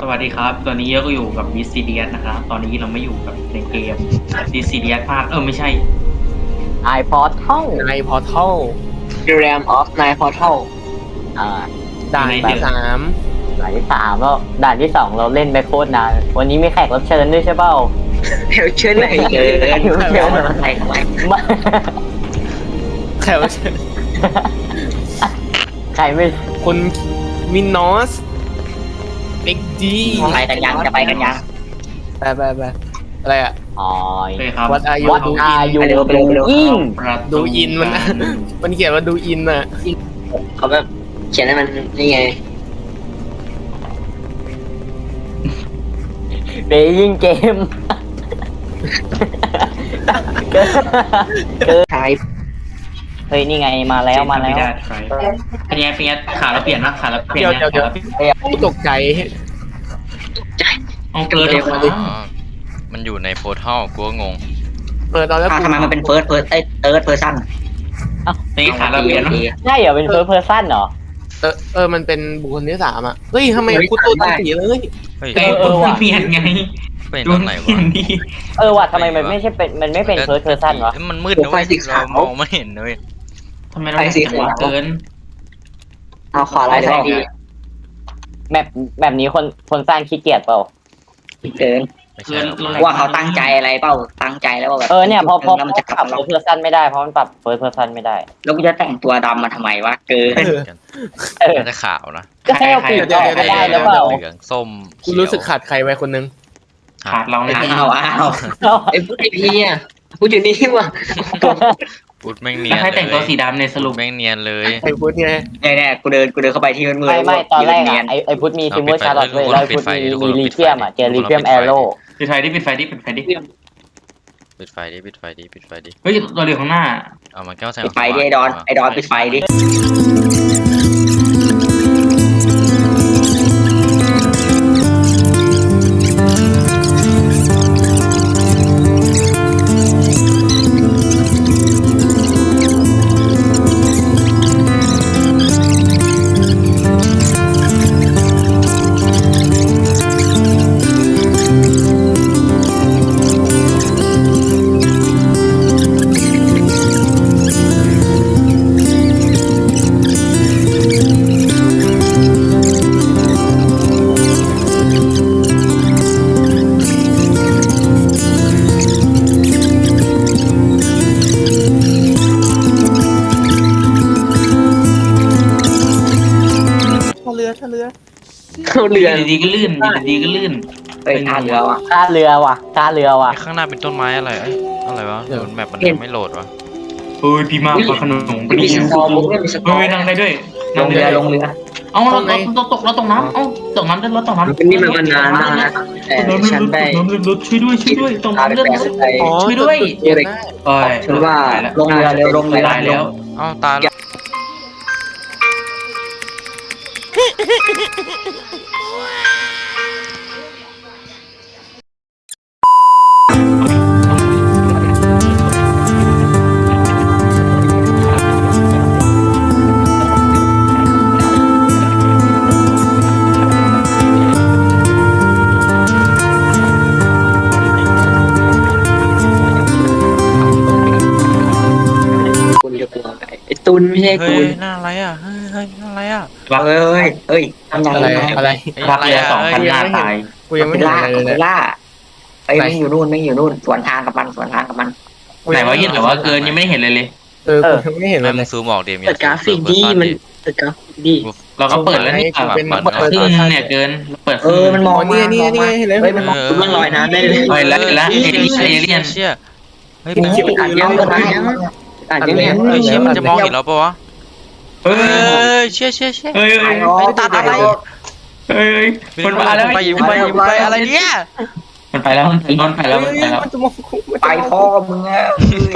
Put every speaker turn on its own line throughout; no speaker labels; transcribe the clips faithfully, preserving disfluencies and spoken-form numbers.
สวัสดีครับตอนนี้ก็อยู่กับดิสซีเดียสนะครับตอนนี้เราไม่อยู่กับในเกมดิสซีเดียสภาคเออไม่ใช่
ไอพอร์ทัล
ในพอร์ทัล
The Realm of Night Portal
อ่า
ด่านที่สาม
ด่านที่สามแล้วด่านที่สองเราเล่นไปโคตรนานวันนี้มีแขกรับเชิญด้วยใช่เปล่า
เดี๋ยวเชิญไหนเชิญเชิญมาไทยทำไม
มา
แขกรับเชิญ
ใครไม่
คุณมินนอสเอ็กดี
ไปกันยังจะไปกันยัง
ไปไปไปอะไรอ่ะ
อ๋อ
โอเคครับ
วัดอายุ
วัด
ดู
อา
อิน
ยุ
ไปเร็วไปเร็วไปเร็ว
ยิ่ง
ประตู
ดูอินมัน มันเขียนว่าดูอินอ่ะ
เขาแบบเขียนให้มันนี่ไง
เบยิ่งเกม
ทาย
เฮ้ยนี่ไงมาแล้วมาแล้ว
เป็นไงเป็นไงขาเราเปลี่ยนนะขาเราเปลี่ยน
เดี๋ยว
นะ
เดี๋ยว
ขาเราเปลี่ยน
กูตกใจ
เอาเกินเลยครับ
อ๋อมันอยู่ในโพร์ทัลกูก็งง
เปิดตอนแล้ว
อ้าวทำไมมันเป็นเฟิร์สเฟิร์สไอ้เติร์ดเพอร์ซัน
เป็นไงขาเราเปลี่ยนนะ
ใช่เหรอเป็นเฟิร์สเพอร์ซันเหรอ
เออเออมันเป็นบุคคลที่สามอ่ะเฮ้ยทำไมกูตัวตั้งสีเลย
เฮ้ย
เออ
เออว่ะ
เปลี่ยนไง
เป็นตอนไหนวะ
นี่
เออว่ะทำไมมันไม่ใช่เป็นมันไม่เป็นเฟิร์สเพอร์ซันวะ
เอ้ยมันมืดนะเว้ยเรามองไม่เห็นเลย
ทำไมเราไม่หัวเกิน
เอาขวาไล่ใส่ดี
แบบแบบนี้คนคนสร้างขี้เกียจเปล่า
เกิน
ไม่ใช่หรอก
ว่าเขาตั้งใจอะไรเปล่าตั้งใจแล้วว่าแบบ
เออเนี่ยพอพอ
แล้วมันจะก
ป
ลั
รั
บบ
เฟิร์สเพอร์ซันไม่ได้เพราะมันปรับเฟิร์สเพอร์ซันไม่ได้
แล้วกูจะแต่งตัวดำมาทำไมวะเกิน
เออ
น่าจะขาวนะ
ก็ให้เอาปีกออกไม่ได้หรือเปล่า
เหลืองส้ม
กูรู้สึกขาดใครไว้คนนึง
ขาดเราในที่
อ้าวอ้าวไอ้พูดไอ้พี่อ่ะพูดอยู่นี่ว่ะ
พูดแม่งเนีย
แล้ว
น
ใคร
เล
แต่งตัวย สีดำในสรุป
แม่งเนียนเลย
ไอ้พูดไง
แน่ๆกูเดินกูเดินเข้าไปที่มืดๆ
ไม่ไม่ตอนแรก
เนีย
อ่ะ
น
ไอไอพุทธมีซิมเวอร์ชาร์ลอต
ทุ
เลย
กคน
แล้วไอพุทธ
ปิดไฟ
มี
ทุกคน
มี
ปิ
ลี
ดไฟ
เทียมอ่ะเจอ
ทุกคน
ลีเทียม
ปิดไฟ
แอโร่
ปิดไฟดิปิดไฟดิปิดไฟดิ
ปิดไฟดิปิดไฟดิปิดไฟดิ
เฮ้ยเราเหลือข้างหน้า
เอามันแก้วแสง
ปิดไฟดิไอ้ดอนไอ้ดอนปิดไฟดิ
ท่าเรือท่าเรือ
เข้าเรือ
ดีๆก็ลื่นดีๆก็ลื่น
เฮ้ยท่าเรือว่ะ
ท่าเรือว่ะท่าเรือว่ะ
ไอ้ข้างหน้าเป็นต้นไม้อะไรเอ้ยอะไรวะเดี๋ยวแมปมันไม่โหลดวะ
เฮ้ยพี่มากกว่าขนม
มีสกอร์บุ๊กด้วยมีสกอ
เฮ้ย
ร์
นั่งได้ด้วย
ลงเรือลงเรือ
เอ้าเราเราตกเราตกน้ำเอ้าตกน้ำได้รถตกน้ำ
นี่มันมันนานมากนะแต่ฉันได้
รถช่วยด้วยช่วยด้วยตรง
พา
น้ำ
ไป
เลือด
แปลไป
อ๋อ
ช่วยด้วย
เดี๋ยวได้
เอ้ย
ฉันว่าลงเรือเร็วลงเรือ
ตายแล้ว
เอ้าตายแล้ว
คุณจะกลัวไอ้ตุนไม่ใช่
เฮ้
ตุ
ย
น
หน้าอะไรอ่ะเฮ้ยเฮ้ยหน้าอะไรอ่ะ
เฮ้ยเฮ้ยทำยัง
อะไร
ไง
อะไร
รักเรือสองพันหน้าตาย
กูยังไม่
เป็น
เห็น
ล่า
อะไรเลย
เป็น
เนี่ย
ล่าไอ้ไม่อยู่นู่นไม่อยู่นู่นสวนทางกับมันสวนทางกับมัน
ไหนว่ายินหรือว่าเกินยังไม่เห็นเลยเลย
เออกูยังไม่เห็นเล
แม่
ย
มึงซูมออกเดี๋ยวมี
เปิดกราฟิกดีมันเปิดกราฟิกดี
เราก็เปิดแล้วนี่แบบเปิดครึ่งเนี่ยเกินเปิดค
เอ
รึ่ง
อมันมอง
นี่นี่นี่เห็นเลย
เฮ้ยมันมองมันลอยน้ำได้เลย
เฮ้ยแล้วแล้วเอเลี่ยนเอเลี่ยน
เชี่ยเฮ้ย
มัน
โป๊
คิดเป็นอ่านยังอ่านยังอ่านยังเนี่ย
เฮ้ยเชี่ยมันจะมองเห็นเราปะวะ
เฮ้
เฮ้
ย
ยเชี่ยเชี่ยเชี่ย
เฮ้ยเฮ้ย
ตัดอะไร
เฮ้ยมันมาแล้ว
ไปยิงไปยิงไปอะไรเนี่ย
มันไปแล้วมันไปแล้วมันไปแล้ว
มันจะมอง
ไปพ่อมึงอะ
ไป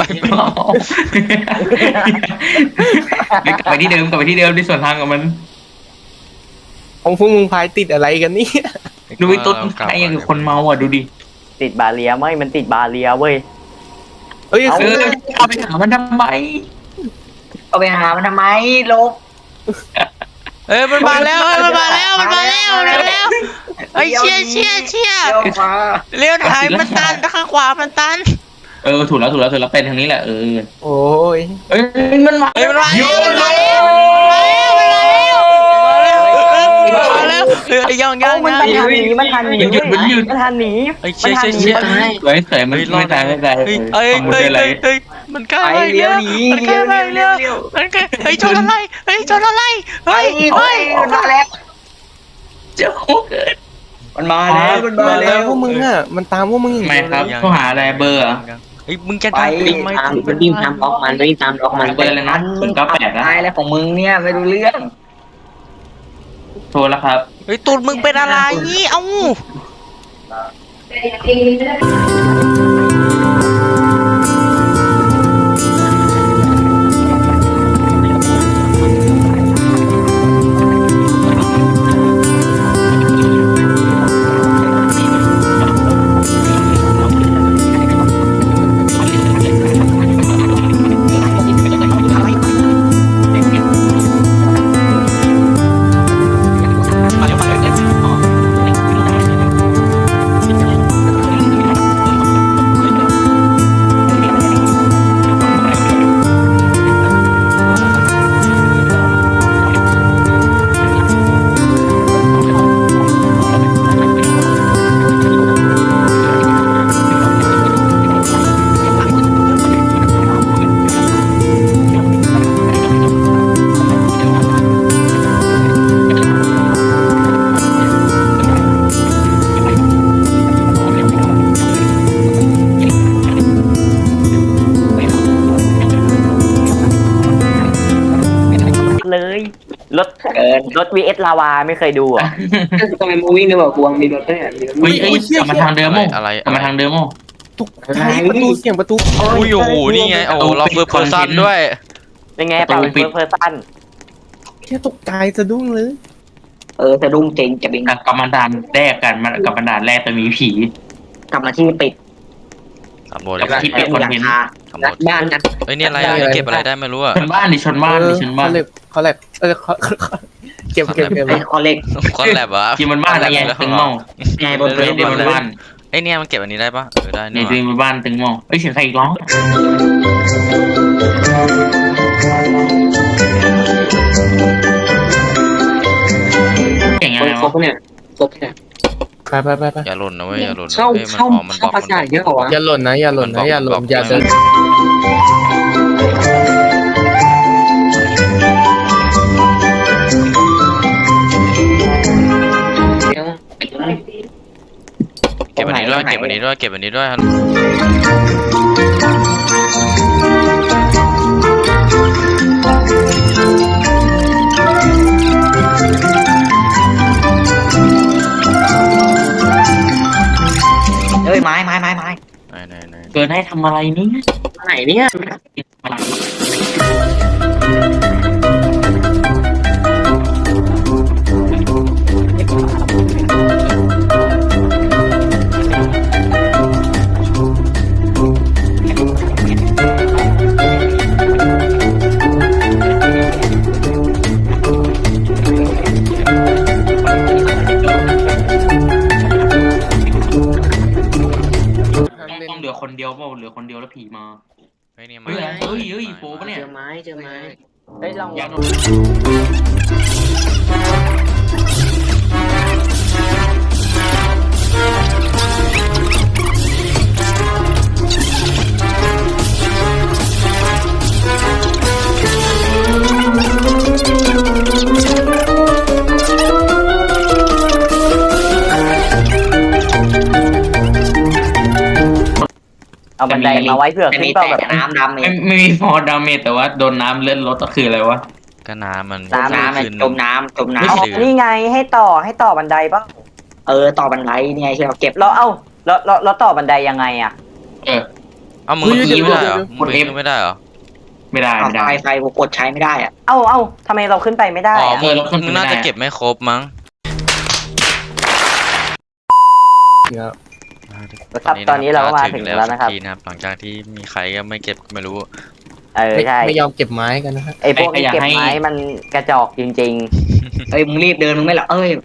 กลับไปที่เดิมกลับไปที่เดิมที่ส่วนทางกับมัน
ของพวกมึงพายติดอะไรกันนี่
ดูไอ้ตุ๊ดไอ้ยังกับคนเมาอ่ะดูดิ
ติดบาเรียไม่มันติดบาเรียเว้ย
เฮ้ย
เออเอาไปหามันทำไม
เอาไปหามันทำไมลบ
เอ้ยมันมาแล้วเอ้ยมันมาแล้วมันมาแล้วมันมาแล้วเฮ้ยเชี่ยเชี่ยเชี่ย
เลี้ยวมา
เลี้ยวถ่ายมันตันข้างขวามันตัน
เออถูกแล้วถูกแล้วถูกแล้วเป็นทางนี้แหละเออ
โอ้ย
เอ้ยมันมา
เฮ้ยมันมาแล้วมันมาแล้วมันมาแล้วมันมาแล้วเฮ้ยยังยัง
มัน
ยัง
ทันหนีมันทันหนีมันทันหนี
เฮ้ยเชี่ยเชี่ยเชี่ย
สวยสวยมันไม่ตายไม่ตาย
เฮ้ยเฮ้ยเฮ้ยเฮ้ยเฮ้ยมันกล้า
ไป
ไป
เลี้
เลี้
ย
ยว ว
หนี
มันก
เลี้
ล้า
ยว
ไป
เลี้
เลี้
ย
ยว ว
เลี้ยว
มันกล้าเฮ้ยชนอะไรเฮ้ยชนอะไร
ไป
เฮ้ย
ไป
เฮ้ย
มันมาแล้ว
เจ้าของเกิด
มันมาแล้วมันมา
มา
แล้
แล้ว
ว
พวกมึงอ่ะมันตามพวกมึงอย่าง
ทำไม
เดียว
ครับ
เลย
เขาหาอะไรเบอร์เหรอ
เฮ้ยมึงจะ
ไป
ทำ
วิ่ง
ทำไม
ตามมันวิ่งตามล็อกมันวิ่งตามล็อกมัน
เบอร์อะไรนะศูนย์เก้าแปดนะ
ตายแล้วของมึงเนี่ยไม่รู้เรื่อง
โทรแล้วครับ
เฮ้ยตูดมึงเป็นอะไรเอ้า
เลยรถ
เกิน
รถ วี เอส ลาวาไม่เคยดูอ่ะ
ทำไมมูวิ่งเนี่ยบอกกวงมีรถด้วย
เฮ้ยเอ้ยกลับมาทางเดิม
อะไร
มั้ง
อะไร
กลับมาทางเดิมมั้ง
ตกใจประตูเสียงประตู
อุ้ยโอ้โหนี่ไงโอ้โหเราเฟิร์สเพอร์ซันด้วย
เป็นไงเปล่าเป็นเฟิร์สเพอร์ซัน
แค่ตกใจสะดุ้งเลย
เออสะดุ้งเจงจะบิน
กับกำมันดานแรกกันมันกับมันดานแรกจะมีผี
กลับมาที่ปิด
สำรวจ
กลับมาที่
เป็นหลังคา
สำรวจ
บ้านกัน
เฮ้ยนี่อะไรอ่ะเก็บอะไรได้ไม่รู้อ่ะ
ชนบ้านดิชนบ้านดิชนบ้าน
เขาเล็บเขาเล็บเออเขาเก็บเก็บเก็บ
ไอ้คอเล็ก
คอนแลบอ่ะ
กินบนบ้านอะไรเงี้ยตึงมอง
ไงบน
เล่น
เรือ
เดียวบนบ้าน
ไอเนี่ยมันเก็บอันนี้ได้ปะเออได้
ใน
นี่
ตัวบนบ้านตึงมองเอ้ยเสียงใครอีกร้องเก่งยังไง
ครบ
วะ
เนี่ยครบเนี่ย
ไปไปไปไป
อย่าหล่นนะเว้ยอย่าหล่น
เข้า
อ้ยมัน
เข้า
อ๋อมันบ
เข้า
อก
ภาษาเยอะกว่า
อย่าหล่นนะอย่าหล่นนะอย่าหล่นอย่าเดิน
เก็บอันนี้ด้วยเก็บอันนี้ด้วยเก็บอันนี้ด้วยครับ
เอ้ยไม้ไม้ไม้ไม้
ไหนไหนไหน
เกินให้ทำอะไรนี่
ไหนเนี่ย
ต้องเหลือคนเดียวเปล่าเหลือคนเดียวแล้วผีมา
เฮ้ยนี่
เฮ้ยเฮ้ยเฮ้ยโป๊ปะเนี่ย
เจอไม้เจอไม้
เฮ้ยลอง
อยาก
เอาบันไดมาไว้เผื่อ
ไม่
ขึ้
มี
นเปล่า
แต่
แบบ
น้ำดำเอ
ไม่
ง
ไม่มีฟอร์ดาเมจแต่ว่าโดนน้ำเลื่อนรถก็คืออะไรวะ
ก็น้ำมัน
น้ำน้ำ
ขึ้น
จมน้ำจมน้
เอานี่ไงให้ต่อให้ต่อบันไดป่ะ
ำเออต่อบันไดเนี่ยที่เราเก็บ
เราเอ้าแล้วแล้วแล้วต่อบันไดยังไงอ่ะ
เออ
เอามึงขึ้นไม่ได้เหรอมึงขึ้นไม่ได้เหรอ
ไม่ได้ไม่ได้
ไฟไฟกดใช้ไม่ได้อ่ะ
เอ้าเอ้าทำไมเราขึ้นไปไม่ได้
อ๋อ
อะ
มึงมึงน่าจะเก็บไม่ครบมั้ง
ครับตอนนี้เราก็มาถึงแล้วนะครับ
ทีนะครับหลังจากที่มีใครก็ไม่เก็บไม่รู้
เออ
ไม่
ใช่
ไม่ยอมเก็บไม้กันนะฮะ
ไอพวกนี้เก็บไม้มันกระจอกจริง
เอ้ยมึงรีบเดินมึงไม่หรอเอ้ย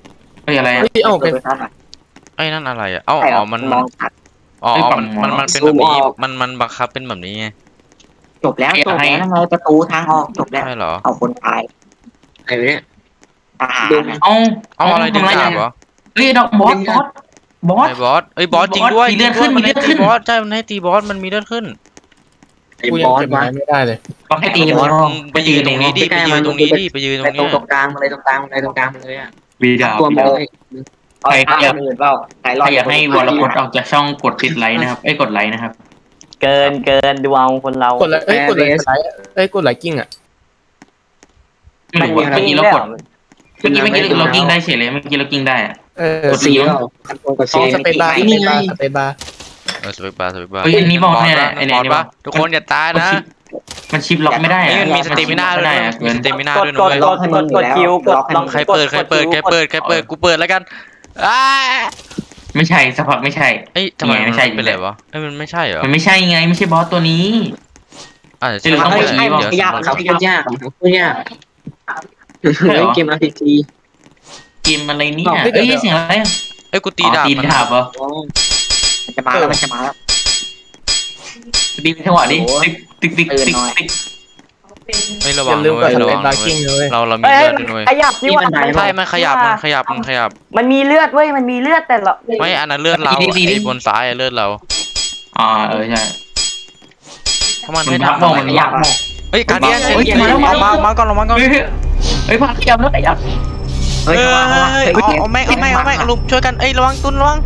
เฮ้ยอะไรอะ
เฮ้ยเอ้าเป็น
ไอ้นั่นอะไรอ่ะเอ้า
ใช่
อ๋อมัน
มองชัด
อ๋อ
เฮ้ยฝั่
มัน
ง
มันมันเป็น
ซู
แบบ
ม
นี้
ออก
มันมันบังคับเป็นแบบนี้ไง
จบแล้วจบแล้วไงประตูทางออกจบแล้ว
ใช่เหรอ
เอาคนตาย
ไอ้เนี่ย
ทหารน่ะ
เอา
เอาอะไรดึง
ทำ
ดาบเหรอ
เฮ้ยดอกบอสบอสบอส
ไอ้บอสเอ้ยบอสจริงด้วย
มีเลือดขึ้น
มันให้
มีเลือดขึ้
ตี
น
บอสใช่มันให้ตีบอสมันมีเลือดขึ้น
ไอ้
กู
บ
ยัง
อส
เก็บ
วะ
ไม้ไม่ได้เลย
บอสให้ตี
ไอ้
บบ อ
อ
ส
ส
ไปยืนตรงนี้ดิไปยืนตรงนี้ดิไปยืนตร
ไป
ง
ตรง
เนี้ย
ตรงกลางมาเลยตรงกลางมาเลยตรงกลางมาเลยอ่ะ
วีดาบ
ตัวโม
ใคร
เอา
อยาก
คนอื่นเปล่าใครร
ใค
อ
ร
ด
อยากให้วรพจน์ออกจากช่องกดติดไลค์นะครับเอ้ยกดไลค์นะครับ
เกินเกินดูเอาคนเรา
กดเลยเอ้ยกดเลยกดไลค์เอ้ยกดไลค์กิ้งอ่ะ
ไม่รู้ว่าเมื่อกี้เรากดเมื่อกี้เมื่อกี้เรากิ้งได้เฉยเลยเมื่อกี้เรากิ้งได้อะ
เออก
ดซีแล้วคันโกงกด
อ๋
ซี
อสเปซบาร์ส
นี่
เปซ
ไง
บาร์สเปซบาร์
เออสเปกบาร์สเปกบาร์
เฮ้ยอันนี้บอกเนี่ย
บอส
ไอ้
ปะ
เนี่ย
บอสปะทุกคนอย่าตายนะ
มันชิปล็อกไม่ได้
นี่
อะ
มันมีสเตมินาด้วย
ได้
นะ
อะ
มี
เกิน
สเตมินาก
ด
ด้วย
ก
นะ
ด
เว้ย
กดกดกดคิวกดลอง
ใครเปิดใครเปิดใครเปิดใครเปิดกูเปิดแล้วกันอ้า
ไม่ใช่สักพักไม่ใช่
เอ้ยทำไม
ไม่
มัน
ใช่
เป็นไรวะเอ้ยมันไม่ใช่เหรอ
มันไม่ใช่ไงไม่ใช่บอสตัวนี้
อ่า
เดี๋ยวเราต้องไป
ใช่
บอก
เดี๋ยว
ยาก
สมมุติ
เขาพูดยากเขาพูดยากเล่นเกม อาร์ พี จี
เกมอะไรเนี่ยเอ้ยเสียงอะไรอะ
เอ้ยกูตี
อ๋อ
ดาบ
ตี
มัน
ดาบเหรอ
มันจะมาแล้วมันจะมาแล้ว
ตีจังหวะดิ
โอ้โห
ติ๊กติ๊กติ๊ก
ตื่น
ติ๊ก
หน่อย
ติ๊ก
ไม่ระ
อ
วัง
ย่าลืมก
ด้ว
ด
ย
ส
ระ
เป
วั
ซ
ง
บาร์
ด้ว
กิ้ง
ย
เลย
เราเรามี
เอ้ย
เลือดด้วย
ขยับนี่ว่า
ใช่มันขยับมันขยับมันขยับ
มันมีเลือดเว้ยมันมีเลือดแต่เรา
ไม่อันนั้นเลือดเราไอ้บนซ้ายอะเลือดเรา
อ่าเออใช่
ถ้ามัน
มัน
ไม่
พัก
ทำ
มอง
อะไร
มันยากมอง
เฮ้ยการเดียน
เฮ้ย
เฮ้ย
มาแล้วมาแล้ว
มามาก่อนลงมาก่อน
เฮ้ยเฮ้ยพักขยับแล้วขยับ
เฮ้ย
เอ้ย
เข้ามาเข้ามา
เอา
เฮ้ย
เอาแม่งเอาแม่งเอาแม่งลุมช่วยกันเอ้ยระวังตุนระวัง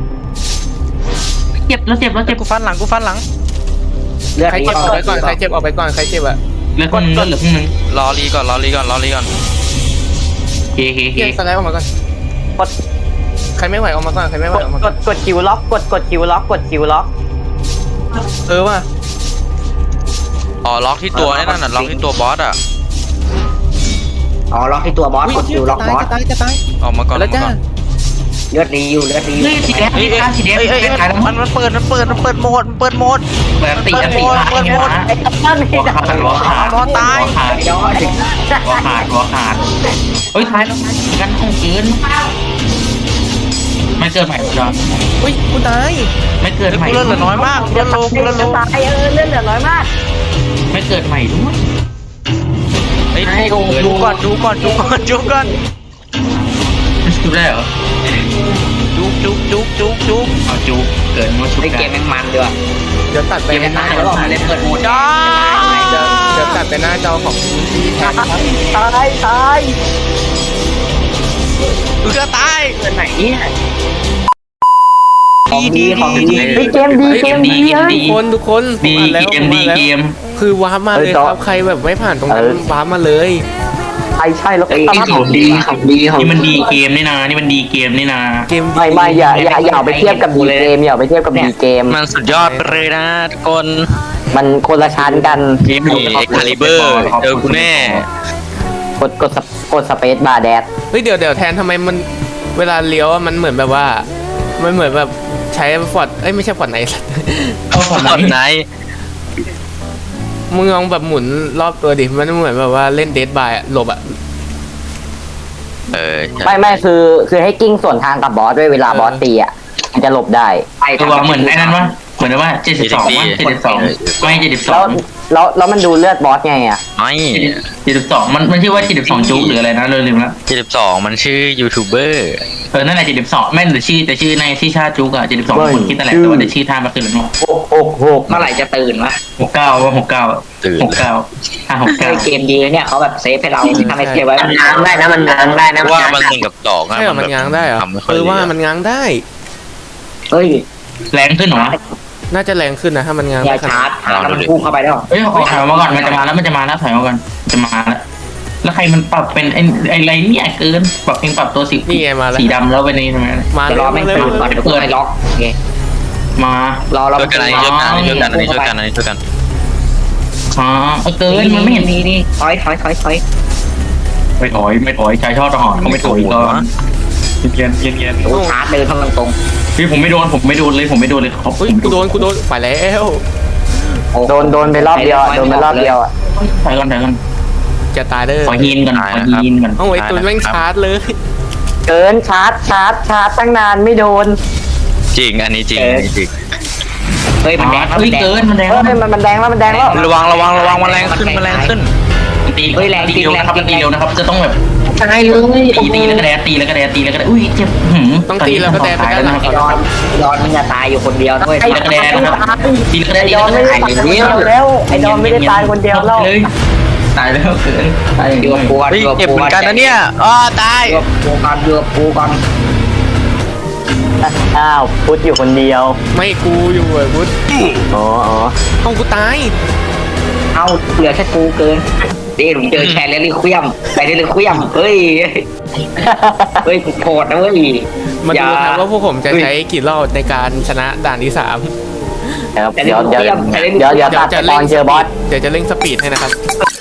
เจ็บแล้วเจ็บแล้ว
เจ็
เจ็
บบ กูฟันหลังกูฟันหลัง
เลือด
ใคร
นี้
เจ็บออกไปก่อนใครเจ็บออกไปก่อนใครเจ็บอ่ะ
เหลือครึ่งนึงเหลือครึ่งนึง
รอรีก่อนรอรีก่อนรอรีก่อน
เฮ้เฮ้
เกี
เฮ้
ยร์สไลด์ออกมาก่อน
กด
ใครไม่ไหวออกมาก่อนใครไม่ไหว
กด
ออกมาก ก่อน
ดกดคิวล็อกกดกดคิวล็อกกดคิวล็อก
เออว่ะ
อ๋อล็อกที่ตัวนี่นั่นน่ะล็อกที่ตัวบอสอ่ะ
อ๋อล็อกที่ตัวบอสกดคิวล็อกบอส
จะตายจะตาย
ออกมาก่อนอ
แล้
อ
ว
กมา
จ้า
ก่อน
เลือดดีอยู่เลือดดีอยู่
เฮ้ยสีแดง
เฮ้ย
สี
เอ้ย
สีแดง
เฮ้ยเฮ้ย
สีแดงขายแล้ว
มันมันเปิดมันเปิดมันเปิดโหมดมันเปิดโหมด
เปิดตีกันตีขาด
เปิดหมด
ไอ้ตับนั่น
หั
ไอ้
ว
ตับ
ขาดหัวขาด
บอสตาย
หัวขาด
ยอด
หัวขาดหัวขาดเฮ้ยท้ายแล้วกันห้องเกินไม่เกินใหม่จอน
อุ้ยกูตาย
ไม่เกิน
เฮ้ย
ใหม่
กูเลือดเหลือน้อยมากเลือดโลกูเลือดโล
ตายเออเลือดเหลือน้อยมาก
ไม่เกินใหม่ด้วย
เฮ้ยดูก่อนดูก่อนดูก่อนดูก่อน
มันชุบได้เหรอ
จุกจุกจุกจุกจุก
เอาจุกเกินมาชุบ
ไอ้
ได้
เกมแม่งมันด้วย
เดี๋ยวตัดไป
เกมแม่งมันแล้วออกมาเล่นเปิดโหมด
จ้า
เดี๋ยวเดี๋ยวตัดไปหน้าจอของพี่แทนครับ
ตายตาย
เอือตาย
เปิดไหนเนี่ยของดีของดี
เฮ้ยเกมดีเกมดี
เกม
เฮ้ย
ดี
ทุกคนทุกคนผม
ดี
อ่านแล้ว
เก
ผม ม
ดี
อ่านแล้ว
เกม
คือวาร์ปมาเลยครับใครแบบไม่ผ่านตรงนั้นวาร์ปมาเลย
ใช่ใช่แล้วก็
ไอ้
ตาม
ของดีของดีของ
นี่มันดีเกมนี่นานี่มันดีเกมนี่นา
เกมดี
ไม่ไม่อย่าอย่าอย่าเอาไปเทียบกับดีเกมอย่าเอาไปเทียบกับดีเกม
มันสุดยอดไปเลยนะทุกคน
มันคนละชั้นกัน
เกม
นี่เอ็กคาลิเบอร์เจอกูแน่
กดกดสกดสเปซบาร์แดด
เฮ้ยเดี๋ยวเดี๋ยวแทนทำไมมันเวลาเลี้ยวอะมันเหมือนแบบว่า มันเหมือนแบบใช้ฟอร์ดเอ้ยไม่ใช่ฟอร์ดไหน
เอาของ
ตอน
ไห
ไห
น
น
มึงลองแบบหมุนรอบตัวดิมันเหมือนแบบว่าเล่นเดดบายอะหลบอะ
เออ
ไม่ไม่คือคือให้กิ้งส่วนทางกับบอสด้วยเวลาบอสตีอ่ะมันจะหลบได้
ไป
ตัวเหมือนไอ้นั้นวะเหมือนว่าเจ็ดสิบสองวะเจ็ดสิบสองไม่เจ็ดสิบส
แล้
อ
ว
ง
แล้วแล้วมันดูเลือดบอสไงอ่ะ
ไม่
เจ็ดสิบสองมันมันชื่อว่าเจ็ดสิบสองจุกหรืออะไรนะเลยลืมละ
เจ็ดสิบสองมันชื่อยูทูบเบอร์
เออนั่นแหละเจ็ดสิบสองแม่นแต่ชื่อแต่ชื่อในที่ชาจุกอะเจ็ดสิบสองคนคิดนั่นแหละแต่ว่าแต่ชื่อท่ามันคืออะไร
หกหกหก
เมื่อไหร่จะตื่นวะ
หกเก้าว่าหกเก้า
ตื่น
หกเก้าห้าหกเก้า
เกมดีเนี่ยเขาแบบเซฟให้เราทำให้เก็บไว้
มันง้างได้นะมันง้างได้นะ
ว่ามันหนึ่งกับสอง
ใช่เหรอมันง้างได้เหรอ
ทำไม่ค่อย
เออ
ดี
ว่า
อะ
มันง้างได้
เฮ้ย
แรงขึ้นเหรอ
น่าจะแรงขึ้นนะถ้ามันง้าง
อย่า
ได้ข
ชา
นา
ร์
ด
จแล้วมันพุ่งเข้าไปได้หรอ
เอ้ยถอยมาก่อนมันจะมาแล้วมันจะมาแล้วถอยมาก่อนจะมาแล้วแล้วใครมันปรับเป็นไอ้ไอ้ไรเนี่ยเกินปรับเองปรับตัวสี
นี่ไงมาแล้ว
สีดำแล้วไปในทำไม
มา
เดี๋ยวรอแม่ง
เลย
ตื่นก่อนเดี๋ยวเพื่อนล็อกโอเค
มาร
อเรา
ช่วยกันอันนี้ช่วยกันอันนี้ช่วยกันอันนี้ช่วยกันอันนี้ช่วยกัน
อ๋อเออเกินมันไม่เห็น
นี่นี่ถอยถอยถอยถอย
ไม่ถอยไม่ถอยชายชอบทหารเขาไม่ถอยก็เย็นเย็นเย็น
โอ้ชาร์จเดินทางตรง
พี่ผมไม่โดนผมไม่โดนเลยผมไม่โดนเลยเขา
เฮ้ยกูโดนกูโดนไปแล้ว
โดนโดนไปรอบเดียวโดนไปรอบเดียวอ่ะ
ถอยก่อนถอยก่อน
จะตายเลย
ขอฮีนก่อนขอฮีนก่อน
เอาไอ้ตุนแม่งชาร์จเลย
เกินชาร์จชาร์จชาร์จตั้งนานไม่โดน
จริงอันนี้จริงอันนี้จริง
เฮ้ยมันแดงแล้ว
เฮ้
มั
ย
นแดง
เกินมันแดง
เฮ้ยมันมันแดงแล้วมันแดงแล้ว
ระวังระวังระวังมันแรงขึ้นมันแรงขึ้น
ตีตีเร็วนะครับตีเร็วนะครับจะต้องแบบ
ตายเลย
ตีตีแล้วก็แดดตีแล้วก็แดดตีแล้วก็แดดอุ้ยเจ็บหืม
ต้องตีแล้วก็แดนไปด้านหลัง
ไอ้ดอนดอนมันจะตายอยู่คนเดียวด้วย
ตีแล้วก็แดดนะครับตีแล้วก็แดด
ไอ้
ตี
ด
แล้
อ
วน ก็
ไม่
แด
ได้
ด
ตายคนเดียวแล้วไอ้ดอนไม่ได้ตายคนเดียวแล้ว
เลยตายแล้วเกินตายอย่าง
เดื
เดีย
อ
ว
บปูก่อน
เฮ้ยเจ็บเหมือนกันนะเนี่ยอ๋อตาย
เดือบปูก่อนเดือบปูก่อน
อ้าวพุทธอยู่คนเดียว
ไม่กูอยู่ไอ้พุทธ
อ๋ออ๋อ
ต้องกูตาย
เอาเหลือแค่กูเกินเดี๋ยวผมเจอแชร์แล้วรีเควียมไปได้รีเควียมเฮ้ยเฮ้ยโกรธนะเว้ย
มา
อย่
ดูครับว่าพวกผมจะใช้กี่รอบในการชนะด่านที่สาม
เดี๋ยวเดี๋ยวเดี๋ยวเดี๋ยวเดี๋ยวตัดไปตอนเจอบอส
เดี๋ยวจะเร่งสปีดให้นะครับ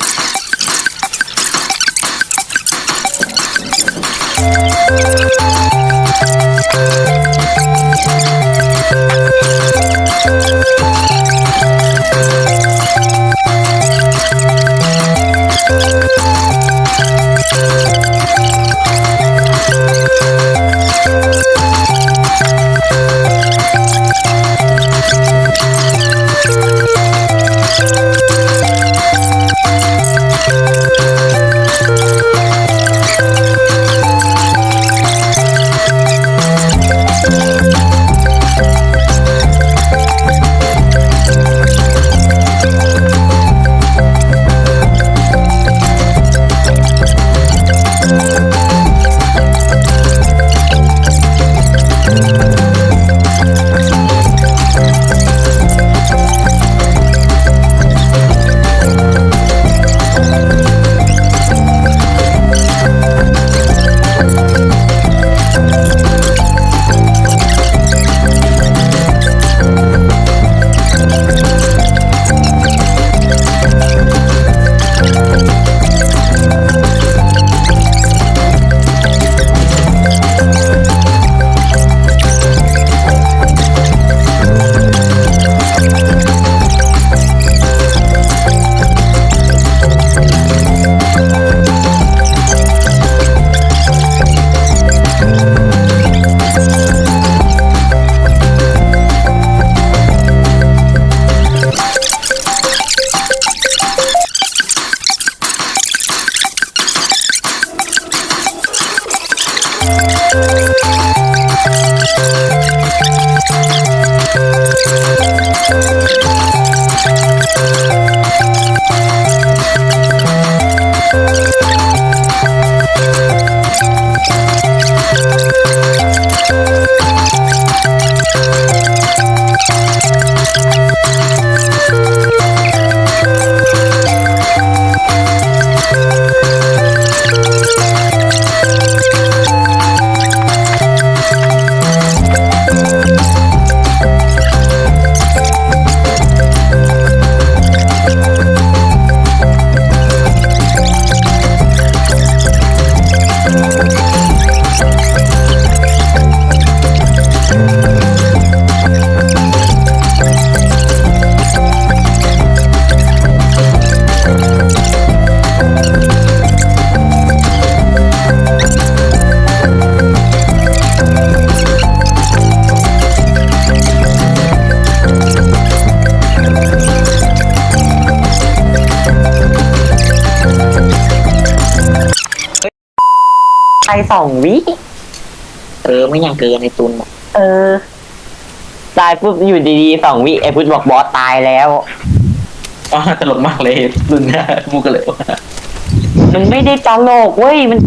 ไปสองวิ
เออไม่ยังเกินในตุน
เออตายปุ๊บอยู่ดีๆสองวิไอ้พุทธบอกบอสตายแล้ว
อ๋อตลกมากเลยรุ่นนี้มูกันเลยว่า
มันไม่ได้ตลกเว้ยมัน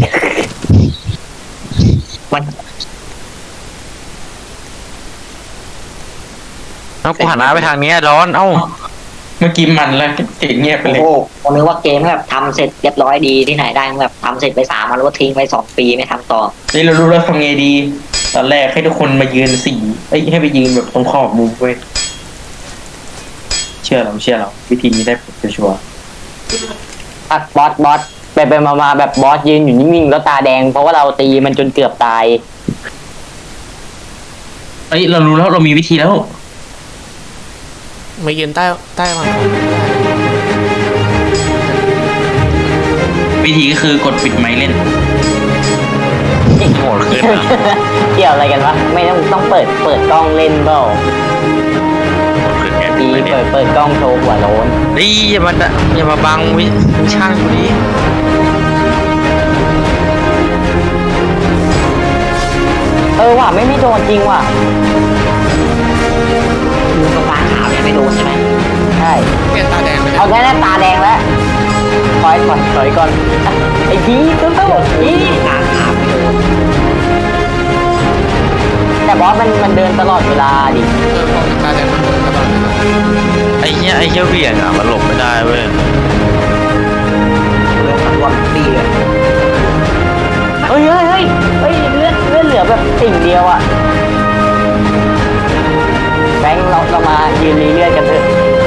มัน
เอ้ากูหันหน้าไปทางนี้ร้อนเอ้า
เมื่อกี้มันแล้วเสียงเงียบไป
โอ้
เลย
โหผมนึกว่าเกมแบบทำเสร็จเรียบร้อยดีที่ไหนได้แบบทำเสร็จไปสามวันแล้วก็ทิ้งไปสองปีไม่ทำต่อ
นี่เรารู้แล้วทำไงดี ตอนแรกให้ทุกคนมายืนสี่เอ้ยให้ไปยืนแบบตรงขอบมุมเว้ยเชื่อเราเชื่อเราวิธีนี้ได้ผลชัวร์
อัดบอสบอสไปไปมามาแบบบอสยืนอยู่นิ่งๆแล้วตาแดงเพราะว่าเราตีมันจนเกือบตาย
เอ้ยเรารู้แล้วเรามีวิธีแล้ว
มายืนใต้ใต้มา
วิธีก็คือกดปิดไมค์เล่น
โหดขึ้นนะ
เกี่ยวอะไรกันวะไม่ต้องต้องเปิดเปิดกล้องเล่นเปล่า
โหดขึ้นไง
ดี
ไม่เนี่
เปิ
ย
ดเปิดกล้องโชว์หัวโล้น
เฮ้ยอย่ามาดะอย่ามาบังวิวิชากูดิ
เออว่ะไม่ไม่โดนจริงว่ะ
กูกับฟ้าขาวยังไม่โดนใช่ไหม
ใช่
เปลี่ยนตาแดงไปแล้
เอา
ว
แค่นั้นตาแดงแล้วถอยก่อนถอยก่อนไอ้พีตู้ตู้พี
ตาขาวไม่โดน
แต่บอสมันมันเดินตลอดเวลาดิ
เออพอเป็นตาแดงมันโดนตลอดเลยนะ
ไอ้เหี้ยไอ้เหี้ยเหวี่ยงอ่ะมันหลบไม่ได้เว้ย
เรื่องตัวนตีเลย
เฮ้ยเฮ้ยเฮ้ยเฮ้ยเลือดเลือดเหลือแบบสิ่งเดียวอะแบงค์เราเรามายืนรีเลือดกันเถอะ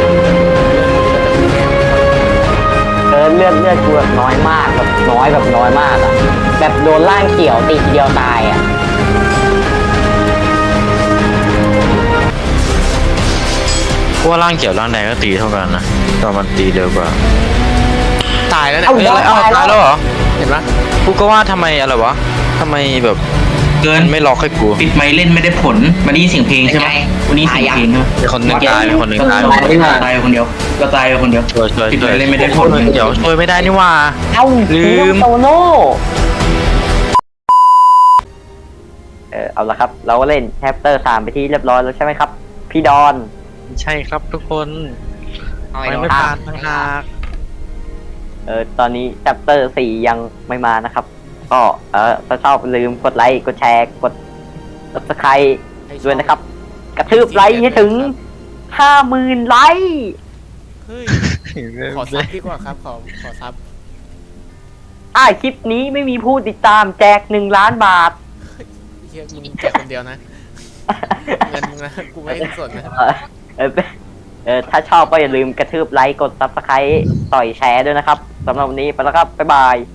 เออเลือดเลือดกูแบบน้อยมากแบบน้อยแบบน้อยมากอะแบบโดนล่างเขียวตีทีเดียวตายอะ
เพราะว่าร่างเขียวร่างแดงก็ตีเท่ากันนะแต่มันตีเร็วกว่า
ตายแล้วเนี่ย
เอา
เฮ้ย
บอ
อะไร
ส
เอ้า
ตาย
ตาย
แล้
แล้ว วเหรอ
เห็นปะ
กูก็ว่าทำไมอะไรวะทำไมแบบ
เกิ
มัน นไม่ล็อกให้กู
ปิดไมค์เล่นไม่ได้ผลมาได้ยินเสียงเพลงใช่ไหมวันนี้เสียงเพลงใช่ไหม
มีคนหนึ่งตายมีคนหนึ่งตาย
ตายไปคนเดียวก็ตายไปคนเดียว
ช่วยช่วย
ปิด
ช่
ไม
วย
ค์เล่นไม่ได้ผล
เดี๋ยวช่วยไม่ได้นี่หว่า
เอ้า
ลืม
โตโน่เออเอาละครับ เราก็เล่นแชปเตอร์สามไปที่เรียบร้อยแล้วใช่ไหมครับ พี่ดอน
ใช่ครับทุกคน
เอา
ไม่
ไอ้
ไม่
ดอก
ผ่านทางหาก
เออตอนนี้แชปเตอร์สี่ยังไม่มานะครับ ก็เออถ้าชอบอย่าลืมกดไลค์กดแชร์กด subscribe ด้วยนะครับ กระทืบไลค์ให้ถึงห้าหมื่นไลค์
เฮ้ยขอซับดีกว่าครับขอขอซับ
อ่าคลิปนี้ไม่มีผู้ติดตามแจกหนึ่งล้านบาท
เฮียมึงแจกคนเดียวนะเงินมึงนะกูไม่สนนะ
เออเออเออถ้าชอบก็อย่าลืมกระทืบไลค์กด subscribe ต่อยแชร์ด้วยนะครับสำหรับวันนี้ไปแล้วครับ บ๊ายบาย